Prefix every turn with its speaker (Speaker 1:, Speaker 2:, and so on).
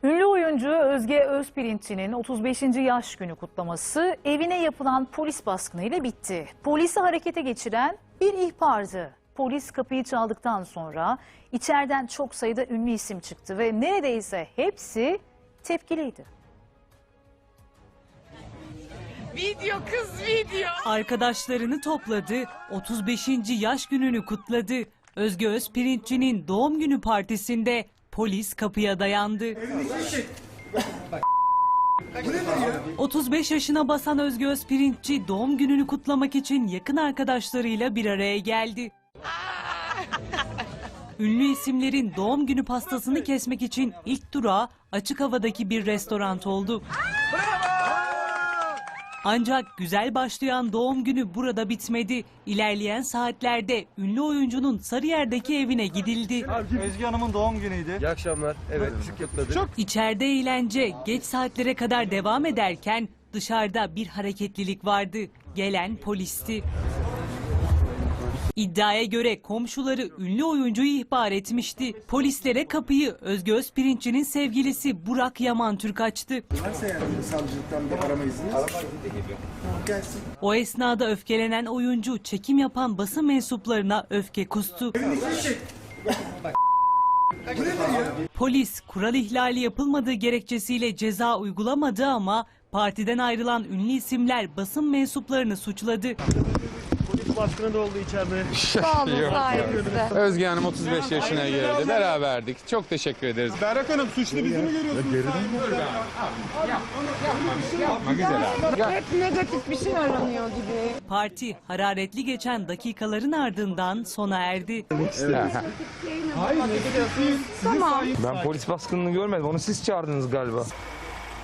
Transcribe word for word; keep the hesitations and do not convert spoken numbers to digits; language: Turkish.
Speaker 1: Ünlü oyuncu Özge Özpirinççi'nin otuz beşinci yaş günü kutlaması evine yapılan polis baskınıyla bitti. Polisi harekete geçiren bir ihbardı. Polis kapıyı çaldıktan sonra içeriden çok sayıda ünlü isim çıktı ve neredeyse hepsi tepkiliydi.
Speaker 2: Video kız video.
Speaker 3: Arkadaşlarını topladı, otuz beşinci yaş gününü kutladı. Özge Özpirinççi'nin doğum günü partisinde polis kapıya dayandı. otuz beş yaşına basan Özge Özpirinççi doğum gününü kutlamak için yakın arkadaşlarıyla bir araya geldi. Ünlü isimlerin doğum günü pastasını kesmek için ilk durağı açık havadaki bir restoran oldu. Ancak güzel başlayan doğum günü burada bitmedi. İlerleyen saatlerde ünlü oyuncunun Sarıyer'deki evine gidildi.
Speaker 4: Özge Hanım'ın doğum günüydü.
Speaker 5: İyi akşamlar. Evet, ışık kutladık. Çok
Speaker 3: İçeride eğlence geç saatlere kadar devam ederken dışarıda bir hareketlilik vardı. Gelen polisti. İddiaya göre komşuları ünlü oyuncuyu ihbar etmişti. Polislere kapıyı Özge Özpirinççi'nin sevgilisi Burak Yaman Türk açtı.
Speaker 6: Varsa yani savcılıktan bir arama izniniz. Arama izni de geliyor. Gelsin.
Speaker 3: O esnada öfkelenen oyuncu çekim yapan basın mensuplarına öfke kustu. Polis kural ihlali yapılmadığı gerekçesiyle ceza uygulamadı ama partiden ayrılan ünlü isimler basın mensuplarını suçladı.
Speaker 4: Baskını da oldu içeride.
Speaker 2: Sağ olun sayenizde.
Speaker 7: Özge Hanım otuz beş yaşına girdi. Beraberdik. Çok teşekkür ederiz.
Speaker 4: Berrak Hanım suçlu bizi mi görüyorsunuz?
Speaker 7: Yapma güzel abi.
Speaker 2: Hep negatif bir şey aranıyor gibi.
Speaker 3: Parti hararetli geçen dakikaların ardından sona erdi.
Speaker 2: Tamam.
Speaker 5: Ben polis baskınını görmedim. Onu siz çağırdınız galiba.